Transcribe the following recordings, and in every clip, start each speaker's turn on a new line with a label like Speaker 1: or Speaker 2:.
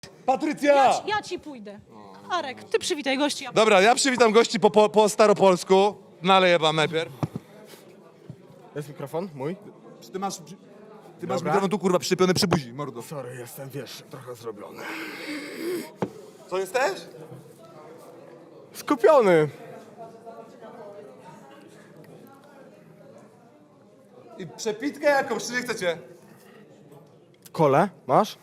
Speaker 1: Patrycja!
Speaker 2: Ja ci pójdę. Arek, ty przywitaj gości.
Speaker 1: Dobra, ja przywitam gości po staropolsku. Naleję wam najpierw.
Speaker 3: Jest mikrofon mój?
Speaker 1: Ty masz
Speaker 3: Dobra.
Speaker 1: mikrofon tu kurwa przyczepiony przy buzi, mordo.
Speaker 3: Sorry, jestem, wiesz, trochę zrobiony.
Speaker 1: Co jesteś?
Speaker 3: Skupiony.
Speaker 1: I przepitkę jakąś, czy nie chcecie?
Speaker 3: Kole, masz?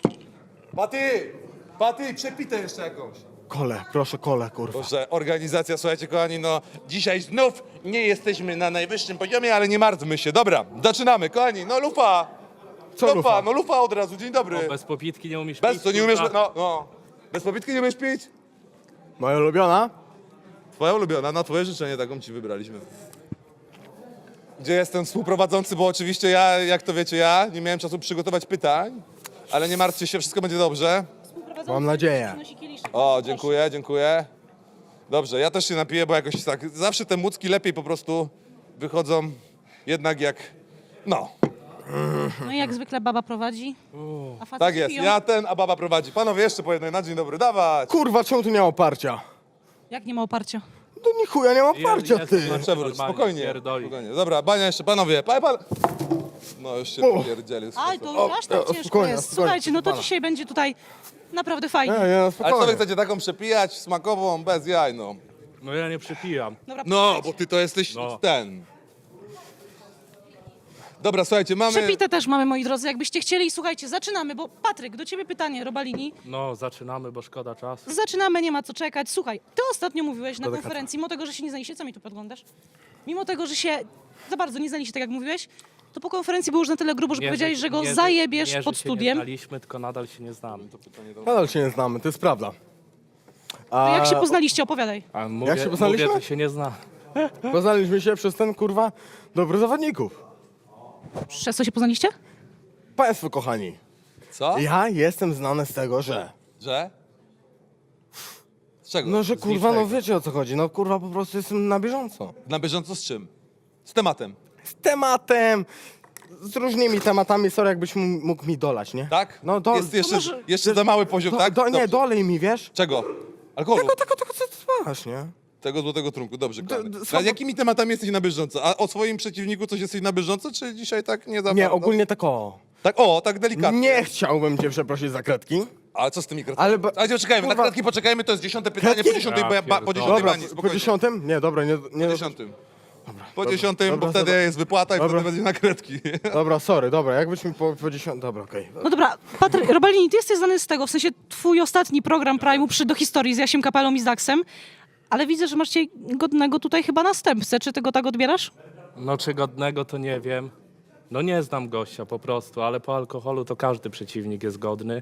Speaker 1: Paty, przepitę jeszcze jakąś.
Speaker 3: Kole, proszę kole, kurwa.
Speaker 1: Boże, organizacja, słuchajcie kochani, no dzisiaj znów nie jesteśmy na najwyższym poziomie, ale nie martwmy się. Dobra, zaczynamy, kochani, no lufa.
Speaker 3: Co lufa?
Speaker 1: No lufa od razu, dzień dobry.
Speaker 4: Bez popitki nie umiesz
Speaker 1: Bez
Speaker 4: pić,
Speaker 1: co, nie umiesz,
Speaker 4: kurwa.
Speaker 1: no. Bez popitki nie umiesz pić?
Speaker 3: Moja ulubiona?
Speaker 1: Twoja ulubiona, na twoje życzenie taką ci wybraliśmy. Gdzie jestem współprowadzący, bo oczywiście ja, jak to wiecie, nie miałem czasu przygotować pytań, ale nie martwcie się, wszystko będzie dobrze.
Speaker 3: Mam nadzieję.
Speaker 2: Przynosi kieliszek.
Speaker 1: O, dziękuję. Dobrze, ja też się napiję, bo jakoś tak, zawsze te mucki lepiej po prostu wychodzą jednak jak, no.
Speaker 2: No i jak zwykle baba prowadzi, a facet
Speaker 1: Tak jest,
Speaker 2: piją.
Speaker 1: a baba prowadzi. Panowie, jeszcze po jednej na dzień dobry, dawać.
Speaker 3: Kurwa, czemu tu nie ma oparcia?
Speaker 2: Jak nie ma oparcia?
Speaker 3: To ni chuja nie ma oparcia,
Speaker 4: Jest,
Speaker 3: ty.
Speaker 4: jest.
Speaker 1: Przewróć,
Speaker 4: Normalnie,
Speaker 1: spokojnie.
Speaker 4: pierdoli.
Speaker 1: Dobra, bania jeszcze, panowie. No już się pierdzieli.
Speaker 2: Aj, to już aż tak ciężko
Speaker 3: spokojnie,
Speaker 2: jest.
Speaker 3: spokojnie,
Speaker 2: Słuchajcie, no to
Speaker 3: pana.
Speaker 2: dzisiaj będzie tutaj naprawdę fajnie.
Speaker 3: Nie,
Speaker 1: Ale co wy
Speaker 3: spokojnie.
Speaker 1: chcecie taką przepijać, smakową, bez jaj, no?
Speaker 4: No ja nie przypijam.
Speaker 2: Dobra,
Speaker 1: No, bo ty to jesteś
Speaker 4: No.
Speaker 1: ten. Dobra, słuchajcie, mamy...
Speaker 2: Przepite też mamy, moi drodzy, jakbyście chcieli. Słuchajcie, zaczynamy, bo Patryk, do ciebie pytanie, Robalini.
Speaker 4: No, zaczynamy, bo szkoda czasu.
Speaker 2: Zaczynamy, nie ma co czekać. Słuchaj, ty ostatnio mówiłeś na
Speaker 3: Delikatnie.
Speaker 2: konferencji, mimo tego, że się nie znaliście, co mi tu podglądasz? Mimo tego, że się za bardzo nie znaliście, tak jak mówiłeś, to po konferencji było już na tyle grubo, że powiedziałeś, że go zajebiesz pod
Speaker 4: Nie
Speaker 2: studiem.
Speaker 4: znaliśmy, tylko nadal się nie znamy.
Speaker 3: Nadal się nie znamy, to jest prawda.
Speaker 2: To jak się poznaliście, opowiadaj.
Speaker 4: A mówię,
Speaker 3: się poznaliśmy?
Speaker 4: mówię, że się nie zna.
Speaker 3: Poznaliśmy się przez ten, kurwa, dobry zawodników.
Speaker 2: Przez co się poznaliście?
Speaker 3: Państwo kochani,
Speaker 1: Co?
Speaker 3: ja jestem znany z tego, że...
Speaker 1: Że? Z czego?
Speaker 3: No, że
Speaker 1: Z
Speaker 3: kurwa, no
Speaker 1: niczego.
Speaker 3: wiecie o co chodzi. No kurwa, po prostu jestem na bieżąco.
Speaker 1: Na bieżąco z czym? Z tematem,
Speaker 3: Z tematem, z różnymi tematami, sorry, jakbyś mógł mi dolać, nie?
Speaker 1: tak?
Speaker 3: No,
Speaker 1: Jest jeszcze,
Speaker 2: może-
Speaker 1: jeszcze za mały poziom, tak?
Speaker 3: Nie,
Speaker 1: Dobrze.
Speaker 3: dolej mi, wiesz?
Speaker 1: Czego? Alkoholu?
Speaker 3: Tego, co ty masz, nie?
Speaker 1: Tego złotego trunku, dobrze, kochany.
Speaker 3: słabo-
Speaker 1: A jakimi tematami jesteś na bieżąco? A o swoim przeciwniku coś jesteś na bieżąco, czy dzisiaj tak nie za
Speaker 3: Nie,
Speaker 1: bardzo?
Speaker 3: ogólnie tak o.
Speaker 1: Tak, tak delikatnie.
Speaker 3: Nie chciałbym cię przeprosić za kredki.
Speaker 1: Ale co z tymi kratkami?
Speaker 3: Ale ba-
Speaker 1: Ale poczekajmy, na
Speaker 3: kurwa-
Speaker 1: kratki poczekajmy, to jest 10 pytanie,
Speaker 3: Kratki?
Speaker 1: po 10
Speaker 4: Ja
Speaker 1: po
Speaker 4: pierdolę.
Speaker 1: 10
Speaker 3: Dobra,
Speaker 1: bani,
Speaker 3: po
Speaker 1: spokojnie.
Speaker 3: 10? Nie, dobra, nie...
Speaker 1: Po 10. Po
Speaker 3: dobra,
Speaker 1: 10, bo
Speaker 3: dobra,
Speaker 1: wtedy
Speaker 3: dobra.
Speaker 1: jest wypłata i
Speaker 3: Dobra.
Speaker 1: wtedy będzie na kredki.
Speaker 3: Dobra, sorry, dobra, jakbyś mi po 10... Dobra, okej.
Speaker 2: No dobra, Patryk, Robalini, ty jesteś znany z tego, w sensie twój ostatni program Prime'u przy do historii z Jasiem Kapelą i z Daxem, ale widzę, że masz dzisiaj godnego tutaj chyba następcę. Czy ty go tak odbierasz?
Speaker 4: No, czy godnego, to nie wiem. No, nie znam gościa po prostu, ale po alkoholu to każdy przeciwnik jest godny.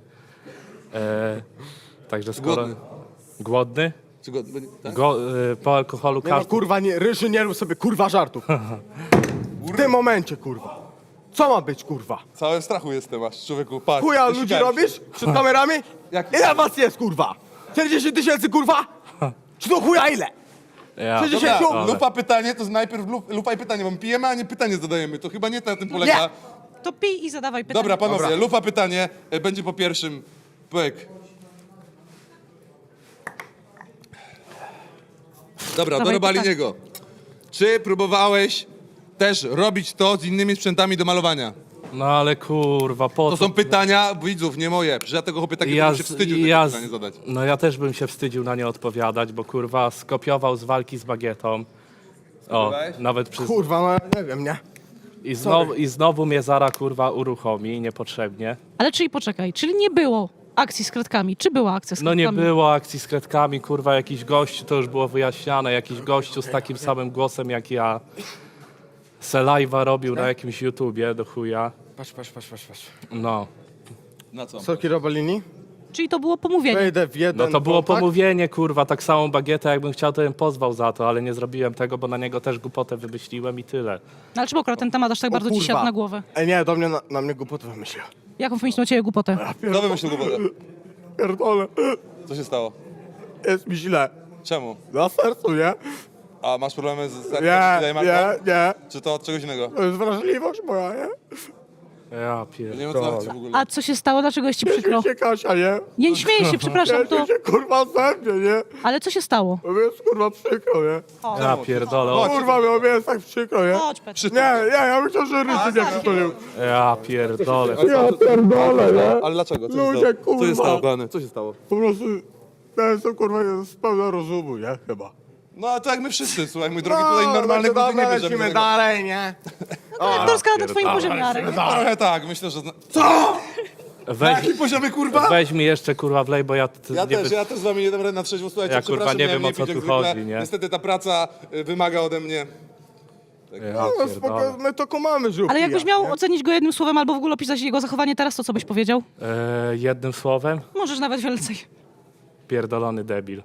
Speaker 4: Także skoro...
Speaker 1: Głodny.
Speaker 4: Głodny?
Speaker 1: Czy go, tak?
Speaker 4: Po alkoholu
Speaker 3: Nie no,
Speaker 4: każdy...
Speaker 3: kurwa, nie, Ryży, nie rób sobie, kurwa, żartów. W tym momencie, kurwa. Co ma być, kurwa?
Speaker 1: Całym strachu jestem aż, człowieku, patrz.
Speaker 3: Chuja ludzi
Speaker 1: Zasikałem się.
Speaker 3: robisz? Przed kamerami?
Speaker 1: Jak-
Speaker 3: Ile was jest, kurwa? 40 000, kurwa? Czy to chuja ile?
Speaker 4: Ja,
Speaker 3: 60?
Speaker 1: Dobra, lupa pytanie, to najpierw lupa i pytanie, bo my pijemy, a nie pytanie zadajemy. To chyba nie na tym polega.
Speaker 3: Nie.
Speaker 2: To pij i zadawaj pytanie.
Speaker 1: Dobra, panowie,
Speaker 3: Dobra.
Speaker 1: lupa pytanie będzie po pierwszym. Pyk. Dobra, do
Speaker 2: Dawaj
Speaker 1: Robaliniego. Czy próbowałeś też robić to z innymi sprzętami do malowania?
Speaker 4: No ale kurwa, po
Speaker 1: To
Speaker 4: co?
Speaker 1: są pytania widzów, nie moje. Przecież ja tego chłopie takiego bym się wstydził takie pytanie zadać.
Speaker 4: No ja też bym się wstydził na nie odpowiadać, bo kurwa skopiował z walki z bagietą. O,
Speaker 1: Spróbowałeś?
Speaker 4: nawet przez...
Speaker 3: Kurwa, no nie wiem, nie?
Speaker 4: I znowu mnie Zara kurwa uruchomi niepotrzebnie.
Speaker 2: Ale czyli poczekaj, czyli nie było akcji z kredkami. Czy była akcja z
Speaker 4: No
Speaker 2: kredkami?
Speaker 4: nie było akcji z kredkami, kurwa jakiś gościu, to już było wyjaśniane, jakiś gościu z takim samym głosem jak ja. Se live'a robił na jakimś YouTubie do chuja.
Speaker 3: Patrz.
Speaker 4: No.
Speaker 1: Na co?
Speaker 3: Sorki Robalini?
Speaker 2: Czyli to było pomówienie.
Speaker 3: Wejdę w jeden
Speaker 4: No to było
Speaker 3: kontakt.
Speaker 4: pomówienie, kurwa, tak samą bagietę, jakbym chciał, to bym pozwał za to, ale nie zrobiłem tego, bo na niego też głupotę wymyśliłem i tyle.
Speaker 2: No ale czemu akurat ten temat aż tak
Speaker 3: O
Speaker 2: bardzo ci
Speaker 3: kurwa.
Speaker 2: siadł na głowę?
Speaker 3: Ej, nie, do mnie, na mnie głupotę wymyślił.
Speaker 2: Jaką wymyślił o ciebie głupotę?
Speaker 1: Kto wymyślił głupotę?
Speaker 3: Pierdolę,
Speaker 1: Co się stało?
Speaker 3: jest mi źle.
Speaker 1: Czemu?
Speaker 3: Na sercu, nie?
Speaker 1: A masz problemy z
Speaker 3: Nie,
Speaker 1: sercem?
Speaker 3: nie.
Speaker 1: Czy to od czegoś innego?
Speaker 3: To jest wrażliwość moja, nie?
Speaker 4: Ja
Speaker 1: Nie wiem,
Speaker 4: pierdolę.
Speaker 1: o co chodzi w ogóle.
Speaker 2: A co się stało? Dlaczego jest ci przykro?
Speaker 3: Się Kasia, nie?
Speaker 2: Nie śmieję się, przepraszam, to...
Speaker 3: się kurwa ze mnie, nie?
Speaker 2: Ale co się stało?
Speaker 3: Bo mi jest kurwa przykro, nie?
Speaker 4: Ja pierdolę. O,
Speaker 3: Kurwa, mi jest tak przykro, nie?
Speaker 2: Chodź, Petr.
Speaker 3: Nie, ja myślę, że Ryszy nie przytulił.
Speaker 4: ja pierdolę.
Speaker 3: Ja pierdolę, nie?
Speaker 1: Ale dlaczego? Co
Speaker 3: Ludzie,
Speaker 1: się stało? Co się
Speaker 3: kurwa.
Speaker 1: stało, kochany? Co się stało?
Speaker 3: Po prostu, ja jestem kurwa z pełna rozumu, nie? Chyba.
Speaker 1: No a to jak my wszyscy, słuchaj, mój drogi, tutaj normalnych ludzi nie bierzemy.
Speaker 3: lecimy dalej, nie?
Speaker 2: Aktorska na twoim poziomie, Arek.
Speaker 1: Trochę tak, myślę, że... Na
Speaker 4: Weź,
Speaker 1: jakim poziomie, kurwa?
Speaker 4: weź mi jeszcze kurwa wlej, bo ja...
Speaker 1: Ja też z wami nie dam rady na trzeźwo, słuchajcie,
Speaker 4: Ja, kurwa,
Speaker 1: przepraszam,
Speaker 4: nie
Speaker 1: miałem
Speaker 4: wiem, o co
Speaker 1: pić jak
Speaker 4: tu
Speaker 1: zwykle.
Speaker 4: chodzi, nie?
Speaker 1: Niestety ta praca wymaga ode mnie.
Speaker 4: Ja
Speaker 3: No
Speaker 4: pierdolę.
Speaker 3: spoko, my to kumamy, żółki.
Speaker 2: Ale jakbyś miał ocenić go jednym słowem albo w ogóle opisać jego zachowanie teraz, to co byś powiedział?
Speaker 4: Jednym słowem,
Speaker 2: Możesz nawet więcej.
Speaker 4: pierdolony debil.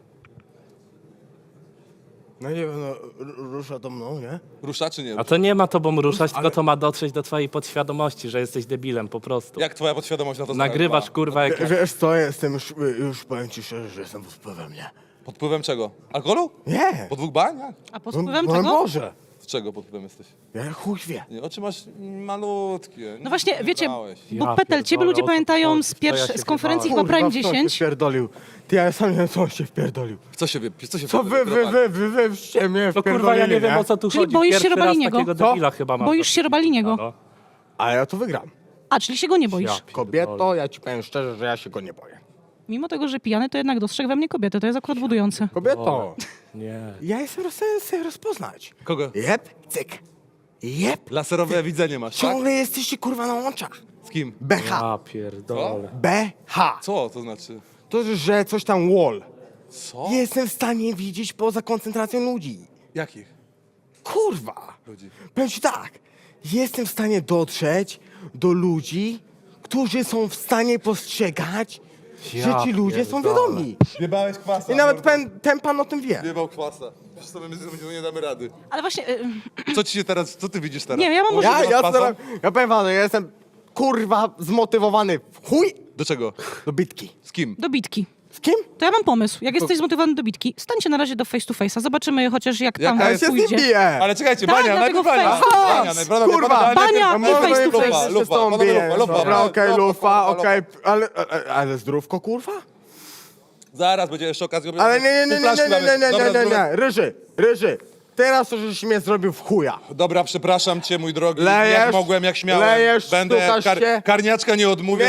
Speaker 3: No nie wiem, no rusza to mną, nie?
Speaker 1: Rusza czy nie?
Speaker 4: A to nie ma tobą ruszać, tylko to ma dotrzeć do twojej podświadomości, że jesteś debilem po prostu.
Speaker 1: Jak twoja podświadomość na to
Speaker 4: Nagrywasz
Speaker 1: zareagowała?
Speaker 4: kurwa jak...
Speaker 3: Wiesz co, jestem już powiem ci szczerze, że jestem pod wpływem, nie?
Speaker 1: Pod wpływem czego? Alkoholu?
Speaker 3: Nie!
Speaker 1: Po 2 baniach?
Speaker 2: A pod wpływem
Speaker 3: no
Speaker 2: czego?
Speaker 3: Boże!
Speaker 1: Z czego pod wpływem jesteś?
Speaker 3: Ja chuj wie.
Speaker 1: Nie, oczy masz malutkie.
Speaker 2: No właśnie, wiecie,
Speaker 1: Brałeś.
Speaker 2: bo
Speaker 4: Ja
Speaker 2: Petel, ciebie
Speaker 4: pierdolę,
Speaker 2: ludzie
Speaker 4: o co
Speaker 2: pamiętają
Speaker 4: chodzi?
Speaker 2: z,
Speaker 4: Co ja się
Speaker 2: z konferencji chyba
Speaker 3: Kurwa,
Speaker 2: Prime
Speaker 3: w co się
Speaker 2: 10.
Speaker 3: wpierdolił? Ty, ja sam nie wiem, co on się wpierdolił.
Speaker 1: Co się
Speaker 3: Co wy mnie
Speaker 4: No kurwa, ja nie wiem o co tu
Speaker 2: Czyli
Speaker 4: chodzi.
Speaker 2: boisz się
Speaker 4: Pierwszy raz
Speaker 2: Robaliniego?
Speaker 4: takiego debila chyba mam.
Speaker 2: Boisz się Robaliniego?
Speaker 4: No.
Speaker 3: A ja to wygram.
Speaker 2: A, czyli się go nie boisz.
Speaker 4: Ja pierdolę.
Speaker 3: Kobieto, ja ci powiem szczerze, że ja się go nie boję.
Speaker 2: Mimo tego, że pijany, to jednak dostrzegł we mnie kobietę. To jest akurat budujące.
Speaker 3: Kobieto,
Speaker 4: Nie.
Speaker 3: ja jestem w stanie sobie rozpoznać.
Speaker 1: Kogo?
Speaker 3: Jep, cyk. Jep.
Speaker 1: Laserowe widzenie masz, tak?
Speaker 3: Ciągle jesteście kurwa na oczach.
Speaker 1: Z kim?
Speaker 3: BH.
Speaker 4: Ja pierdolę.
Speaker 3: BH.
Speaker 1: Co to znaczy?
Speaker 3: To, że coś tam wall.
Speaker 1: Co?
Speaker 3: Jestem w stanie widzieć poza koncentracją ludzi.
Speaker 1: Jakich
Speaker 3: Kurwa.
Speaker 1: ludzi?
Speaker 3: Powiem ci tak. Jestem w stanie dotrzeć do ludzi, którzy są w stanie postrzegać, że
Speaker 4: Ja
Speaker 3: ci ludzie są
Speaker 4: pierdolę.
Speaker 3: wiadomi.
Speaker 1: Jebałeś kwasa.
Speaker 3: I nawet ten pan o tym wie.
Speaker 1: Jebał kwasa. Przecież sobie nie damy rady.
Speaker 2: Ale właśnie,
Speaker 1: Co ci się teraz, co ty widzisz teraz?
Speaker 2: Nie, ja mam może-
Speaker 3: Ja powiem wam, że ja jestem kurwa zmotywowany w chuj
Speaker 1: Do czego?
Speaker 3: do bitki.
Speaker 1: Z kim?
Speaker 2: do bitki.
Speaker 3: Z kim?
Speaker 2: To ja mam pomysł. Jak jesteś zmotywowany do bitki, stańcie na razie do face to face'a. Zobaczymy chociaż jak tam
Speaker 1: Jaka
Speaker 3: Ja się z nim
Speaker 2: pójdzie.
Speaker 3: biję.
Speaker 1: Ale czekajcie,
Speaker 2: Tak,
Speaker 1: Bania,
Speaker 2: dlatego
Speaker 1: najpierw Bania.
Speaker 2: face to face.
Speaker 1: Bania, najpierw
Speaker 3: Kurwa,
Speaker 2: Bania i face to face.
Speaker 3: Ja się z tobą
Speaker 1: Lufa,
Speaker 3: biję.
Speaker 1: lufa, lufa.
Speaker 3: Dobra, okej, lufa,
Speaker 1: lufa.
Speaker 3: okej, ale zdrówko kurwa?
Speaker 1: Zaraz będzie jeszcze okazja.
Speaker 3: Ale nie,
Speaker 1: Dobra,
Speaker 3: Ryży, teraz to żeś mnie zrobił w chuja.
Speaker 1: Dobra, przepraszam cię, mój drogi.
Speaker 3: Lejesz,
Speaker 1: jak mogłem, jak śmiałem.
Speaker 3: lejesz,
Speaker 1: Będę
Speaker 3: stukasz się.
Speaker 1: karniaczka nie odmówię.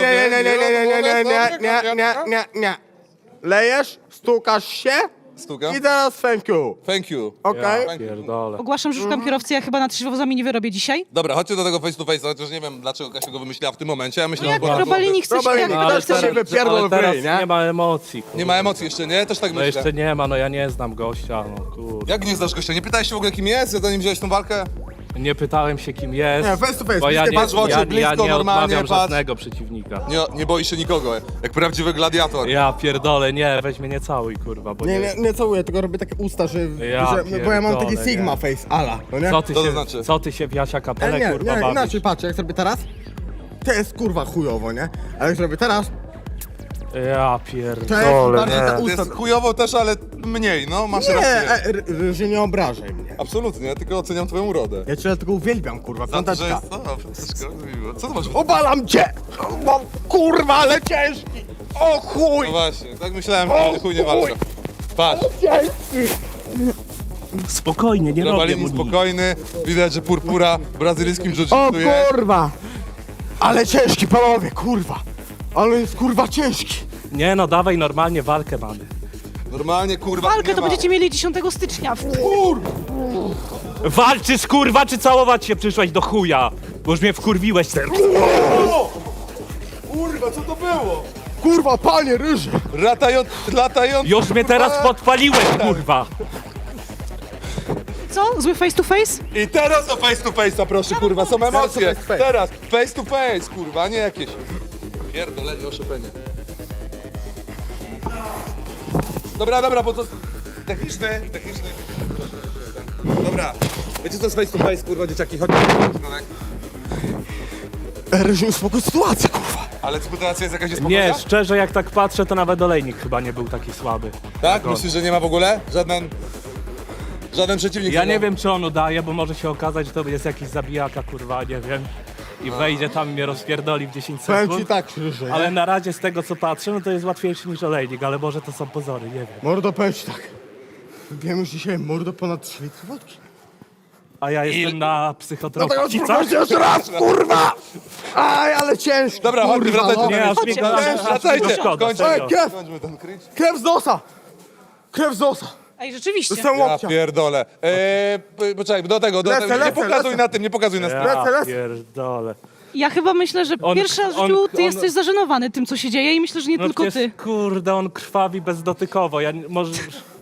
Speaker 3: Nie. Lejesz, stukasz się
Speaker 1: Stukam?
Speaker 3: i teraz thank you.
Speaker 1: Thank you.
Speaker 3: Okej?
Speaker 1: Thank you.
Speaker 4: Pierdolę.
Speaker 2: Ogłaszam, że szukam kierowcy, ja chyba na trzeźwo z wami nie wyrobię dzisiaj.
Speaker 1: Dobra, chodźcie do tego face to face, chociaż nie wiem, dlaczego Kasia go wymyśliła w tym momencie. Ja myślę,
Speaker 2: No jak
Speaker 1: że
Speaker 2: Robalini chce się,
Speaker 3: Robalini,
Speaker 2: jak
Speaker 3: no,
Speaker 2: ktoś
Speaker 3: ale
Speaker 2: chce się...
Speaker 3: teraz- wypierdol
Speaker 4: ale
Speaker 3: w
Speaker 4: teraz
Speaker 3: ryj, nie?
Speaker 4: nie ma emocji. Kurwa.
Speaker 1: nie ma emocji jeszcze, nie? Też tak
Speaker 4: No
Speaker 1: myślę.
Speaker 4: jeszcze nie ma, no ja nie znam gościa, no kurde.
Speaker 1: Jak nie znasz gościa? Nie pytałeś się w ogóle kim jest, zanim wziąłeś tą walkę?
Speaker 4: Nie pytałem się kim jest,
Speaker 3: Nie, face to face,
Speaker 4: bo ja
Speaker 3: bliskie
Speaker 4: nie,
Speaker 1: patrz w oczy,
Speaker 4: ja
Speaker 1: blisko,
Speaker 4: nie
Speaker 1: normalnie,
Speaker 4: odmawiam
Speaker 1: patrz.
Speaker 4: żadnego przeciwnika.
Speaker 1: Nie boisz się nikogo, jak prawdziwy gladiator.
Speaker 4: Ja pierdolę, nie, weź mnie nie całuj, kurwa, bo
Speaker 3: Nie całuję, tylko robię takie usta, że
Speaker 4: Ja
Speaker 3: bo ja mam taki
Speaker 4: pierdolę,
Speaker 3: sigma
Speaker 4: nie.
Speaker 3: face, ala, no nie?
Speaker 4: Co ty,
Speaker 1: Co to
Speaker 4: się,
Speaker 1: znaczy?
Speaker 4: co ty się w Jasia Kapelę,
Speaker 3: Nie,
Speaker 4: kurwa,
Speaker 3: nie,
Speaker 4: bawisz?
Speaker 3: inaczej, patrz, jak zrobię teraz, to jest kurwa chujowo, nie? Ale jak zrobię teraz,
Speaker 4: Ja
Speaker 3: to
Speaker 4: pierdolę,
Speaker 3: jest bardziej te
Speaker 1: To
Speaker 3: usta.
Speaker 1: jest chujowo też, ale mniej, no, masz
Speaker 3: Nie,
Speaker 1: rację.
Speaker 3: że nie obrażaj mnie.
Speaker 1: Absolutnie, ja tylko oceniam twoją urodę.
Speaker 3: Ja cię dlatego uwielbiam, kurwa,
Speaker 1: Za to, że
Speaker 3: piąteczka.
Speaker 1: jest... O, Franciszko, miło. Co to masz?
Speaker 3: Obalam cię! Mam kurwa, ale ciężki! O chuj!
Speaker 1: No właśnie, tak myślałem, że chuj nie walczę. Patrz,
Speaker 3: Ciężki!
Speaker 4: Spokojnie, nie robię
Speaker 1: Robalini
Speaker 4: mu nic.
Speaker 1: spokojny, widać, że purpura w brazylijskim
Speaker 3: O
Speaker 1: jiu-jitsu jest.
Speaker 3: kurwa! Ale ciężki, panowie, kurwa! Ale jest kurwa ciężki!
Speaker 4: Nie no, dawaj normalnie walkę mamy.
Speaker 1: Normalnie, kurwa,
Speaker 2: Walkę
Speaker 1: nie
Speaker 2: to
Speaker 1: ma.
Speaker 2: będziecie mieli 10 stycznia.
Speaker 4: Walczysz kurwa, czy całować się przyszłeś do chuja? Bo już mnie wkurwiłeś ten.
Speaker 1: Kurwa, co to było?
Speaker 3: Kurwa, panie ryży!
Speaker 1: Latający...
Speaker 4: Już mnie teraz podpaliłeś, kurwa.
Speaker 2: Co? Zły face to face?
Speaker 1: I teraz do face to face'a, proszę, kurwa, są emocje.
Speaker 3: face to face.
Speaker 1: Teraz, face to face, kurwa, nie jakieś... Pierdolenie, oszopienie. Dobra, bo to... Techniczny. Dobra, wiecie co jest face to face, kurwa, dzieciaki, chodźcie.
Speaker 3: Ryży, uspokój sytuację, kurwa!
Speaker 1: Ale sytuacja jest jakaś niespokojna?
Speaker 4: Nie, szczerze jak tak patrzę, to nawet olejnik chyba nie był taki słaby.
Speaker 1: Tak? Myślisz, że nie ma w ogóle? Żaden przeciwnik?
Speaker 4: Ja
Speaker 1: nie
Speaker 4: nie
Speaker 1: ma?
Speaker 4: wiem, czy on udaje, bo może się okazać, że to jest jakiś zabijaka, kurwa, nie wiem. i wejdzie tam i mnie rozpierdoli w 10
Speaker 3: Powiem ci
Speaker 4: sekund.
Speaker 3: tak szczerze, nie?
Speaker 4: Ale na razie z tego co patrzę, no to jest łatwiejszy niż olejnik, ale może to są pozory, nie wiem.
Speaker 3: Mordo, powiem ci tak. Wiem już dzisiaj, mordo, ponad 3 litry wodki.
Speaker 4: A ja jestem na
Speaker 3: Dlatego
Speaker 4: psychotropii.
Speaker 3: spróbujcie jeszcze raz, kurwa! Aj, ale ciężko,
Speaker 1: Dobra, chodźmy,
Speaker 3: kurwa,
Speaker 1: wracajcie.
Speaker 3: no.
Speaker 4: Nie, aż mi go
Speaker 2: Chodźcie,
Speaker 4: aż mi
Speaker 1: wracajcie,
Speaker 4: szkoda,
Speaker 1: kończmy.
Speaker 3: Ej,
Speaker 4: serio.
Speaker 3: krew!
Speaker 1: Skończmy ten cringe.
Speaker 3: Krew z nosa! Krew z nosa!
Speaker 2: Ej, rzeczywiście.
Speaker 3: Dostałem
Speaker 1: Ja
Speaker 3: łokcia.
Speaker 1: pierdolę. Poczekaj, do tego.
Speaker 3: Lecę,
Speaker 1: Nie pokazuj
Speaker 3: lecę.
Speaker 1: na tym, nie pokazuj na stronę.
Speaker 3: Lecę,
Speaker 4: Ja
Speaker 3: lecę.
Speaker 4: pierdolę.
Speaker 2: Ja chyba myślę, że
Speaker 4: On-
Speaker 2: pierwszy raz w
Speaker 4: on-
Speaker 2: życiu ty
Speaker 4: on-
Speaker 2: jesteś zażenowany tym, co się dzieje i myślę, że nie
Speaker 4: No
Speaker 2: tylko
Speaker 4: przecież,
Speaker 2: ty.
Speaker 4: kurde, on krwawi bezdotykowo, może...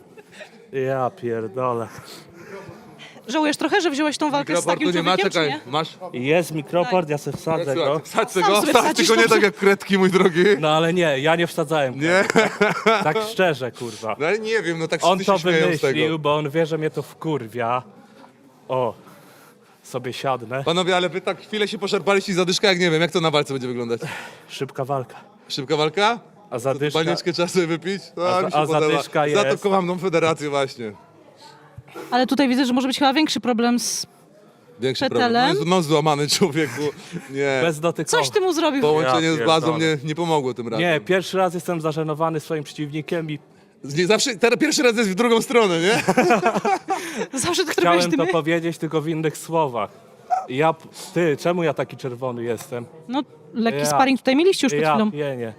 Speaker 4: Ja pierdolę.
Speaker 2: Żałujesz trochę, że wziąłeś tą walkę z takim człowiekiem, czy nie?
Speaker 1: Masz.
Speaker 4: Jest mikroport, ja se wsadzę go.
Speaker 1: Wsadź
Speaker 2: Sam
Speaker 1: go,
Speaker 2: sobie
Speaker 1: wsadź,
Speaker 2: wsadzisz,
Speaker 1: tylko nie
Speaker 2: dobrze.
Speaker 1: tak jak kredki, mój drogi.
Speaker 4: No ale nie, ja nie wsadzałem.
Speaker 1: Nie?
Speaker 4: Tak szczerze, kurwa.
Speaker 1: No ale nie wiem, no tak
Speaker 4: On
Speaker 1: wszyscy
Speaker 4: to
Speaker 1: się śmieją z tego.
Speaker 4: wymyślił, bo on wie, że mnie to wkurwia. O, sobie siadnę.
Speaker 1: Panowie, ale wy tak chwilę się poszarpaliście i zadyszka, jak nie wiem, jak to na walce będzie wyglądać?
Speaker 4: Szybka walka.
Speaker 1: Szybka walka?
Speaker 4: A zadyszka...
Speaker 1: Panieczkę trzeba sobie wypić? No,
Speaker 4: A za-
Speaker 1: mi się
Speaker 4: a
Speaker 1: podoba.
Speaker 4: zadyszka
Speaker 1: Za to
Speaker 4: jest.
Speaker 1: kocham tą federację właśnie.
Speaker 2: Ale tutaj widzę, że może być chyba większy problem z...
Speaker 1: Większy
Speaker 2: Petelem?
Speaker 1: problem. No, mam złamany człowieku. Nie.
Speaker 4: Bezdotykowo.
Speaker 2: Coś ty mu zrobił.
Speaker 1: Połączenie
Speaker 4: Ja
Speaker 1: z bazą
Speaker 4: pierdolę.
Speaker 1: nie pomogło tym razem.
Speaker 4: Nie, pierwszy raz jestem zażenowany swoim przeciwnikiem i
Speaker 1: Zawsze, teraz pierwszy raz jest w drugą stronę, nie?
Speaker 2: Zawsze tak robisz
Speaker 4: chciałem
Speaker 2: ty
Speaker 4: to
Speaker 2: my.
Speaker 4: powiedzieć tylko w innych słowach. Ty, czemu ja taki czerwony jestem?
Speaker 2: No, lekki
Speaker 4: Ja-
Speaker 2: sparring tutaj mieliście już przed
Speaker 4: Ja
Speaker 2: chwilą.
Speaker 4: pienię.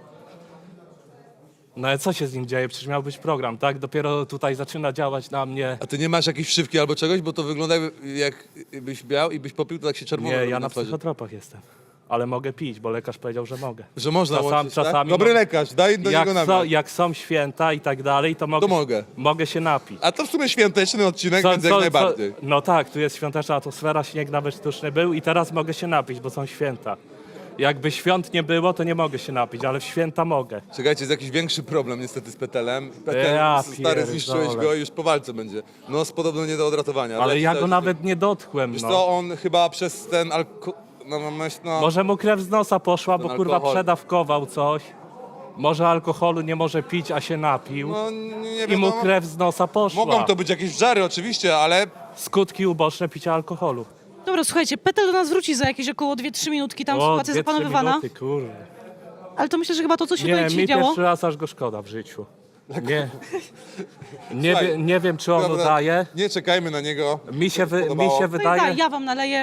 Speaker 4: No ale co się z nim dzieje? Przecież miał być program, tak? Dopiero tutaj zaczyna działać na mnie.
Speaker 1: A ty nie masz jakiejś wszywki albo czegoś, bo to wygląda jak byś miał i byś popił, to tak się czerwono
Speaker 4: Nie,
Speaker 1: robi
Speaker 4: ja na
Speaker 1: twarzy.
Speaker 4: psychotropach jestem. Ale mogę pić, bo lekarz powiedział, że mogę.
Speaker 1: Że można łączyć, tak?
Speaker 4: czasami
Speaker 1: Dobry
Speaker 4: mo-
Speaker 1: lekarz, daj do niego namiar.
Speaker 4: Jak są święta i tak dalej, to
Speaker 1: To mogę.
Speaker 4: mogę się napić.
Speaker 1: A to w sumie świąteczny odcinek, więc jak najbardziej.
Speaker 4: No tak, tu jest świąteczna atmosfera, śnieg nawet sztuczny był i teraz mogę się napić, bo są święta. Jakby świąt nie było, to nie mogę się napić, ale w święta mogę.
Speaker 1: Czekajcie, jest jakiś większy problem niestety z Petelem. Petel,
Speaker 4: Ja
Speaker 1: stary,
Speaker 4: pierdolę.
Speaker 1: zniszczyłeś go i już po walce będzie. No, podobno nie do odratowania.
Speaker 4: Ale ja
Speaker 1: ci
Speaker 4: go
Speaker 1: też-
Speaker 4: nawet nie dotkłem,
Speaker 1: Wiesz
Speaker 4: no.
Speaker 1: co, on chyba przez ten no,
Speaker 4: Może mu krew z nosa poszła, bo
Speaker 1: Ten
Speaker 4: kurwa
Speaker 1: alkohol.
Speaker 4: przedawkował coś. Może alkoholu nie może pić, a się napił.
Speaker 1: no nie
Speaker 4: I mu
Speaker 1: wiadomo.
Speaker 4: krew z nosa poszła.
Speaker 1: Mogą to być jakieś żary oczywiście, ale
Speaker 4: Skutki uboczne picia alkoholu.
Speaker 2: Dobra, słuchajcie, Petel do nas wróci za jakieś około 2-3 minutki, tam sytuacja
Speaker 4: 2-3
Speaker 2: zapanowywana.
Speaker 4: minuty, kurde.
Speaker 2: Ale to myślę, że chyba to, co się
Speaker 4: Nie,
Speaker 2: tutaj
Speaker 4: mi
Speaker 2: dzisiaj działo...
Speaker 4: pierwszy raz aż go szkoda w życiu. Nie wiem, czy on
Speaker 1: dobra,
Speaker 4: udaje.
Speaker 1: nie czekajmy na niego.
Speaker 4: Mi się
Speaker 2: No i daj,
Speaker 4: wydaje,
Speaker 2: ja wam naleję.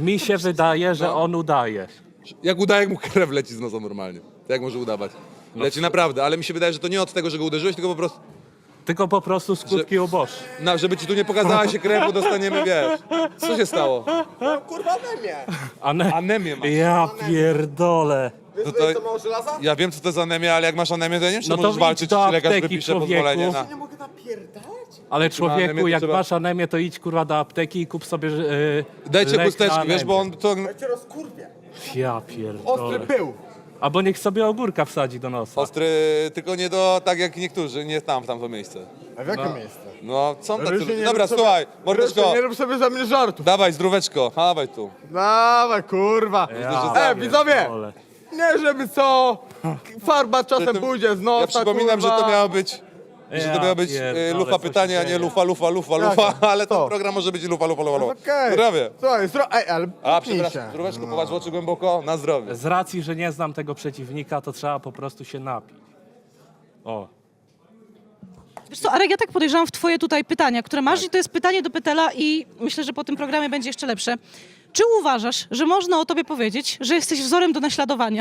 Speaker 4: że on udaje.
Speaker 1: Jak udaje, jak mu krew leci z nosa normalnie. To jak może udawać? Leci naprawdę, ale mi się wydaje, że to nie od tego, że go uderzyłeś, tylko po prostu,
Speaker 4: Tylko po prostu skutki uboczne.
Speaker 1: żeby ci tu nie pokazała się krew, bo dostaniemy, wiesz. Co się stało?
Speaker 3: Kurwa we mnie!
Speaker 1: Anemię masz.
Speaker 4: Ja pierdolę.
Speaker 3: Wiesz,
Speaker 1: to-
Speaker 3: co mało żelaza?
Speaker 1: Ja wiem, co to jest anemia, ale jak masz anemię, to ja nie wiem, czy
Speaker 4: No to
Speaker 1: możesz
Speaker 4: idź
Speaker 1: walczyć,
Speaker 4: do
Speaker 1: czy lekarz
Speaker 4: apteki,
Speaker 1: wypisze
Speaker 4: człowieku.
Speaker 1: pozwolenie na...
Speaker 3: Nie mogę napierdalać?
Speaker 4: Ale
Speaker 1: anemię,
Speaker 4: człowieku,
Speaker 1: to
Speaker 4: jak
Speaker 1: trzeba-
Speaker 4: masz anemię, to idź kurwa do apteki i kup sobie
Speaker 1: Dajcie
Speaker 4: lek
Speaker 1: chusteczki,
Speaker 4: na
Speaker 1: wiesz, bo
Speaker 4: anemię.
Speaker 1: on to...
Speaker 3: Ja cię rozkurwię.
Speaker 4: Ja
Speaker 3: Ostry
Speaker 4: pierdolę.
Speaker 3: pył.
Speaker 4: Albo niech sobie ogórka wsadzi do nosa.
Speaker 1: Ostry, tylko nie do, tak jak niektórzy, nie tam, w tamto miejsce.
Speaker 3: A w jakim miejscu?
Speaker 1: No, są tacy
Speaker 3: Rysiu,
Speaker 1: ludzie.
Speaker 3: nie
Speaker 1: Dobra,
Speaker 3: rób sobie-
Speaker 1: słuchaj, mordeczko,
Speaker 3: Rysiu, nie rób sobie ze mnie żartów.
Speaker 1: dawaj, zdróweczko, dawaj tu.
Speaker 3: Dawaj, kurwa.
Speaker 1: Ja
Speaker 3: Widzowie!
Speaker 4: pierdolę.
Speaker 3: Nie żeby co, farba czasem
Speaker 1: Przy tym-
Speaker 3: pójdzie z nosa,
Speaker 1: Ja przypominam, że
Speaker 3: kurwa.
Speaker 1: to miało być... Że to
Speaker 4: Ja
Speaker 1: miało być
Speaker 4: pierdolę,
Speaker 1: lufa
Speaker 4: co się
Speaker 1: pytania, a nie
Speaker 4: dzieje.
Speaker 1: lufa,
Speaker 3: Jak?
Speaker 1: ale ten
Speaker 3: Co?
Speaker 1: program może być lufa.
Speaker 3: Okej.
Speaker 1: Zdrowie.
Speaker 3: Słuchaj, ej, ale
Speaker 1: A,
Speaker 3: pnij
Speaker 1: przepraszam,
Speaker 3: się.
Speaker 1: zdróweczko, popatrz w oczy głęboko, na zdrowie.
Speaker 4: Z racji, że nie znam tego przeciwnika, to trzeba po prostu się napić. O.
Speaker 2: Wiesz co, Arek, ja tak podejrzewam w twoje tutaj pytania, które masz i to jest pytanie do Petela i myślę, że po tym programie będzie jeszcze lepsze. Czy uważasz, że można o tobie powiedzieć, że jesteś wzorem do naśladowania?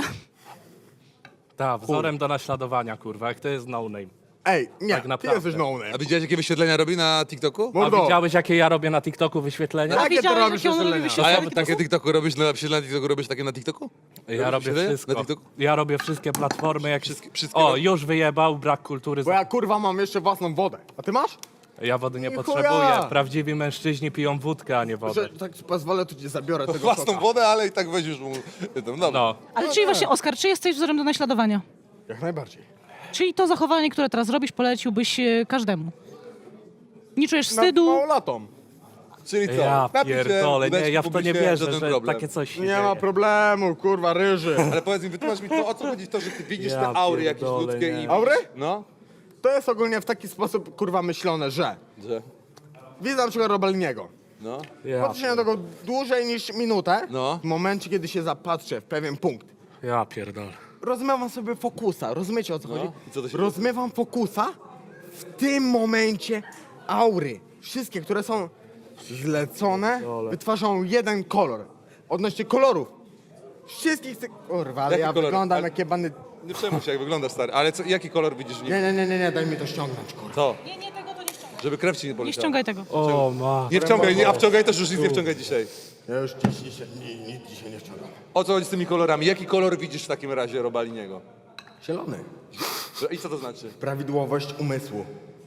Speaker 4: Tak, wzorem do naśladowania, kurwa, jak to jest no name.
Speaker 3: Ej, nie,
Speaker 4: Tak
Speaker 3: ty
Speaker 4: naprawdę.
Speaker 3: jesteś no
Speaker 1: A
Speaker 3: name.
Speaker 1: widziałeś, jakie wyświetlenia robi na TikToku?
Speaker 4: A
Speaker 3: Mordo.
Speaker 4: widziałeś, jakie ja robię na TikToku wyświetlenia?
Speaker 3: Jakie ty
Speaker 2: widziałeś,
Speaker 3: robisz
Speaker 2: jakie on robi
Speaker 3: wyświetlenia?
Speaker 2: wyświetlenia?
Speaker 1: A ja takie TikToku robisz, na TikToku robisz takie na TikToku?
Speaker 4: Ja robię
Speaker 1: Robisz
Speaker 4: wszystko.
Speaker 1: na TikToku?
Speaker 4: Ja robię wszystkie platformy. Jak...
Speaker 1: Wszystkie
Speaker 4: O,
Speaker 1: robisz?
Speaker 4: już wyjebał, brak kultury.
Speaker 3: Bo ja kurwa mam jeszcze własną wodę. A ty masz?
Speaker 4: Ja wody nie
Speaker 3: Chuja.
Speaker 4: potrzebuję. Prawdziwi mężczyźni piją wódkę, a nie wodę.
Speaker 3: Że, tak ci pozwolę, to ci zabiorę tego
Speaker 1: Własną
Speaker 3: soka.
Speaker 1: wodę, ale i tak weźmiesz mu... Dobra.
Speaker 4: No.
Speaker 2: Ale czyli właśnie, Oskar, czy jesteś wzorem do naśladowania?
Speaker 3: Jak najbardziej.
Speaker 2: Czyli to zachowanie, które teraz robisz, poleciłbyś każdemu? Nie czujesz
Speaker 3: Na
Speaker 2: wstydu?
Speaker 3: małolatom.
Speaker 1: Czyli co?
Speaker 4: Ja
Speaker 1: Napij się,
Speaker 4: pierdolę,
Speaker 1: udać
Speaker 4: nie, ja w to nie
Speaker 1: publicznie,
Speaker 4: wierzę,
Speaker 1: żaden
Speaker 4: że
Speaker 1: problem.
Speaker 4: takie coś się
Speaker 3: Nie
Speaker 4: dzieje.
Speaker 3: ma problemu, kurwa, ryży.
Speaker 1: Ale powiedz mi, wytłumacz mi to, o co chodzi w to, że ty widzisz
Speaker 4: Ja
Speaker 1: te aury jakieś
Speaker 4: pierdolę,
Speaker 1: ludzkie
Speaker 4: nie.
Speaker 1: i...
Speaker 3: Aury?
Speaker 1: No.
Speaker 3: To jest ogólnie w taki sposób, kurwa, myślone, że
Speaker 1: Że...
Speaker 3: widzę na przykład Robaliniego.
Speaker 1: No.
Speaker 3: Patrzę na tego dłużej niż minutę,
Speaker 1: No.
Speaker 3: w momencie, kiedy się zapatrzę w pewien punkt.
Speaker 4: Ja pierdolę.
Speaker 3: Rozmywam sobie fokusa, rozumiecie o co chodzi?
Speaker 1: I co to się
Speaker 3: Rozmywam fokusa, w tym momencie aury, wszystkie, które są zlecone, wytwarzają jeden kolor. Odnośnie kolorów, wszystkich tych... Kurwa, ale
Speaker 1: Jaki
Speaker 3: ja
Speaker 1: kolor?
Speaker 3: wyglądam
Speaker 1: Ale-
Speaker 3: jak jebany...
Speaker 1: Nie przejmuj się, jak wyglądasz, stary. Ale jaki kolor widzisz w nim?
Speaker 3: Nie, daj mi to ściągnąć, kurwa.
Speaker 1: To,
Speaker 2: Nie, tego to nie ściągaj.
Speaker 1: żeby krew ci nie
Speaker 2: Nie
Speaker 1: poleciała.
Speaker 2: ściągaj tego.
Speaker 4: O ma.
Speaker 1: Nie wciągaj, nie, a wciągaj też już nic nie wciągaj dzisiaj.
Speaker 3: Ja już nic dzisiaj nie ściągam.
Speaker 1: O co chodzi z tymi kolorami? Jaki kolor widzisz w takim razie Robaliniego?
Speaker 3: Zielony.
Speaker 1: I co to znaczy?
Speaker 3: Prawidłowość umysłu.